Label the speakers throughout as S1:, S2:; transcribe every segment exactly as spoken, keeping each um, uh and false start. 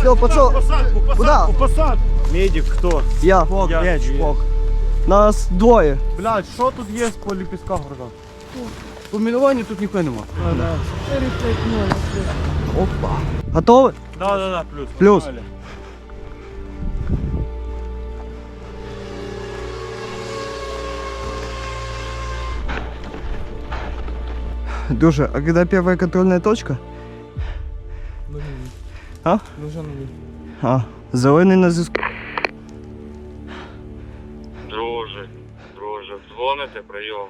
S1: Все, пошел.
S2: Посадку, посадку,
S1: Куда?
S2: посадку. Медик хто?
S1: Я.
S2: Фок,
S1: я.
S2: я, Фок.
S1: Нас двоє.
S2: Блядь, що тут є по ліпістках города?
S3: По мінуванню тут ніхто нема.
S1: Опа. Готовы?
S2: Да, да, да, плюс.
S1: Плюс.
S2: Погнали.
S1: Душа, а когда первая контрольная точка? А? А, зелений на зв'язку.
S4: Друже, друже, дзвоните, прийом.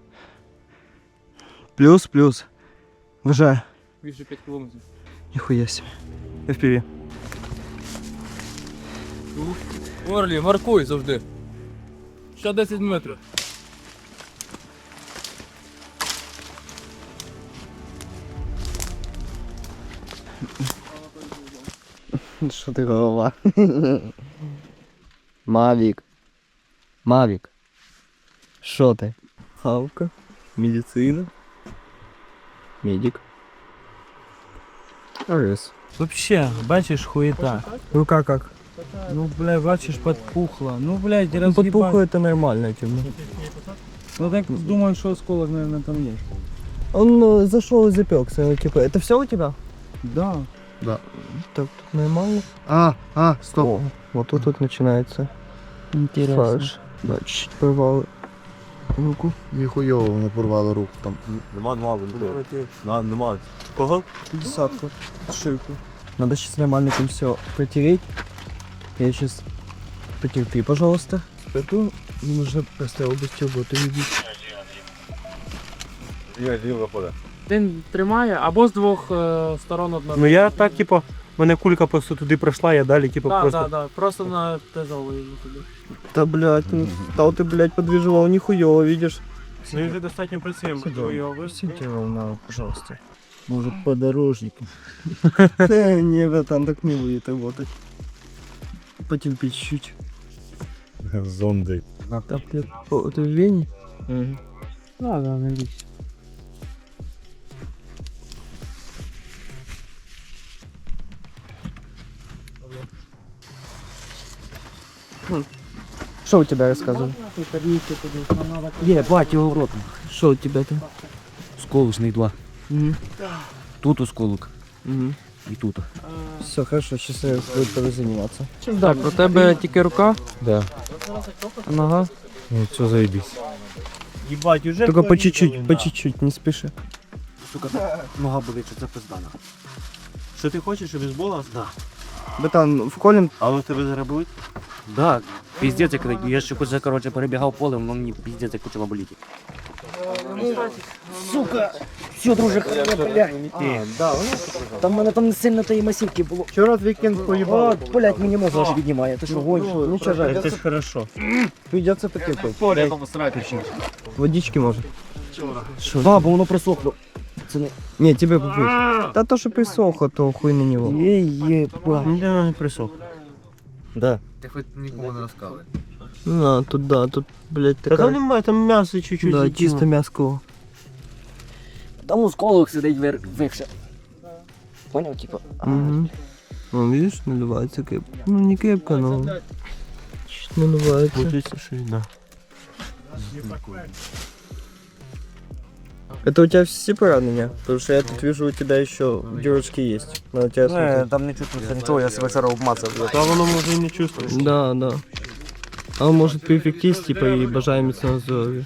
S1: Плюс, плюс. Вважаю.
S3: Більше п'ять кілометрів.
S1: Ніхуя себе. еф пі ві.
S3: Орлі, маркуй завжди. Ще десять метрів.
S1: Що ти голова? Мавік. Мавік. Що ти? Хавка. Медицина. Медик. Арес.
S5: Вообще, бачиш, хуета.
S1: Рука как?
S5: Ну, бля, бачиш, подпухла. Ну, блядь,
S1: Ну,
S5: разъебать.
S1: подпухло это нормально, типа.
S5: Ну, так думаю, что осколок, наверное, там есть.
S1: Он э, зашел и запекся, типа. Это все у тебя?
S5: Да.
S1: Так, тут нормально.
S6: А, а, стоп.
S1: О, вот тут вот начинается.
S5: Интересно.
S1: Фарш. Да, чуть-чуть порвал руку.
S6: Ніхуйово воно порвало руку там.
S2: Нема, нема, нема. Нема. Кого?
S1: Десятку. Ширку. Надо сейчас нормально там все протереть. Я сейчас... Потерпи, пожалуйста. Эту нужно просто область работы видеть.
S2: Я діло пода.
S3: Один тримає, або з двох е, сторон одна.
S2: Ну я так, типу, мене кулька просто туди пройшла, я далі, типу,
S3: Так,
S2: просто...
S3: так, так. Просто на тезову йду туди.
S1: Да, блядь, ну, да ты, блядь, подвиживал нихуёво, видишь?
S2: Ну він вже достатньо працюємо.
S1: Сидите ровно, пожалуйста. Может, подорожник. Не, братан, так не будет работать. Потерпи чуть-чуть.
S2: Зонди.
S1: Так, блядь, о, это в Вене?
S3: Да, да, не бійся.
S1: Что у тебя рассказывай?
S7: Є, бать, його в рот.
S1: Что у тебя там?
S7: Сколочний два.
S1: Угу.
S7: Тут осколок.
S1: Угу.
S7: І тут.
S1: Все, хорошо, сейчас я буду тобой заниматься.
S3: Так, у тебе тільки рука,
S7: Да.
S3: а нога.
S7: Ну, все заебись.
S2: Їбать, уже...
S1: Только по чуть-чуть, по чуть-чуть, не спеши.
S7: Сука, нога болить, що це пиздана.
S2: Що ти хочеш, щоб бейсбола?
S7: Да.
S1: Братан, вколем.
S2: А ви тебе заробили?
S7: Да, пиздец, як я ще куди, короче, перебігав полем, но мені пиздец, як почала боліти. Сука! Все, друже, блядь. Там в мене там не сильно тієї масівки було.
S1: Вчера вікенд поїбав.
S7: О, блядь, мені мозг аж піднімає. Ти що, гониш?
S1: Ну, ничего, жаль.
S2: Це ж хорошо.
S1: Придется потерпеть. Водички может.
S7: Да, бо воно присохло. Це не...
S1: Не, тебе попить. Да то, что присохло, то хуй на него.
S7: Є-є-ба.
S2: Ну, я не присох.
S1: Да.
S3: Ти хоч нікому не розказуй.
S1: Ну, тут да, тут, блядь,
S2: Та там
S1: такая...
S2: немає, там м'ясо чуть-чуть.
S1: Да,
S2: закинуло.
S1: чисто мяско.
S7: Там осколок сидить вир... вивше. Поняв, типа?
S1: Угу. Ну, видишь, наливается крепко. Ну, не крепко, но... Чуть наливается.
S2: Получиться, що й да.
S1: Это у тебя все поранения? Потому что я тут вижу, у тебя еще дырочки есть. Надо тебя
S7: Не,
S1: смотреть.
S7: там не чувствується нічого, я себе вчора обмацав.
S2: Та воно може і не чувствуєш.
S1: Да, да. А он может перефектись, типа, и бажаем міцного здоров'я.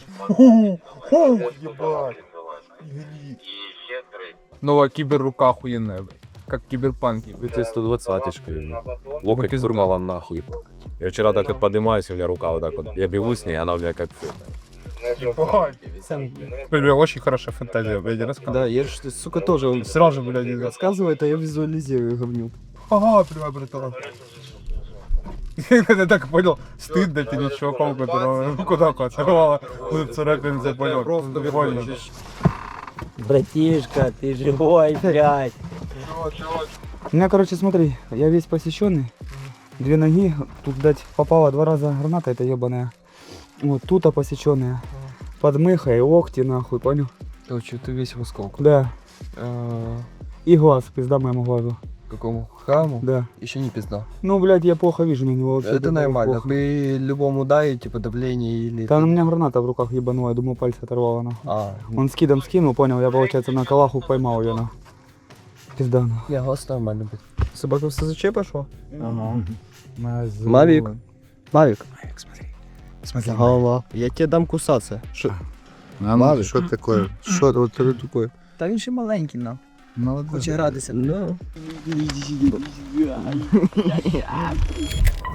S3: Нова кіберрука охуєнна, як кіберпанк.
S8: Ты сто двадцаточкой. Локоть сурмала нахуй. Я вчера так вот поднимаюсь, у меня рука вот так вот. Я бегу с ней, она у меня как...
S3: Блин, очень хорошая фантазия, блядь, рассказывай.
S1: Да, я же, сука, тоже он
S3: Сразу, блядь, не
S1: рассказывает, а я визуализирую говнюк.
S3: Ага, привет, братан. Я так понял, стыдно перед чуваком, которого руку так оторвало, царапинца, понял, просто понял.
S7: Братишка, ты живой, блядь.
S9: У меня, короче, смотри, я весь посещенный, две ноги, тут, блядь, попала два раза граната эта ебаная. Вот тут посеченная, подмыха и локти, нахуй, понял?
S3: Короче, ты весь в осколку.
S9: Да. И глаз, пизда моему глазу.
S10: какому храму,
S9: Да.
S10: еще не пизда.
S9: Ну, блядь, я плохо вижу на него вообще.
S10: Это нормально.
S9: плохо.
S10: При любом ударе, типа давление или...
S9: Там у меня граната в руках ебанула, я думаю, пальцы оторвала она.
S10: А,
S9: Он скидом скинул, понял, я, получается, на калаху поймал ее на. Пизда, ну.
S10: я голос нормально будет.
S1: Собака в СЗЧ пошла?
S5: Ага.
S1: Мавік. Мавік.
S6: Смотри.
S1: Голова. Я тебе дам кусатися. Що?
S6: А, что такое? Что вот это такое?
S1: Та він ще маленький, на.
S6: Молодец.
S1: Хоче гратися. Ну.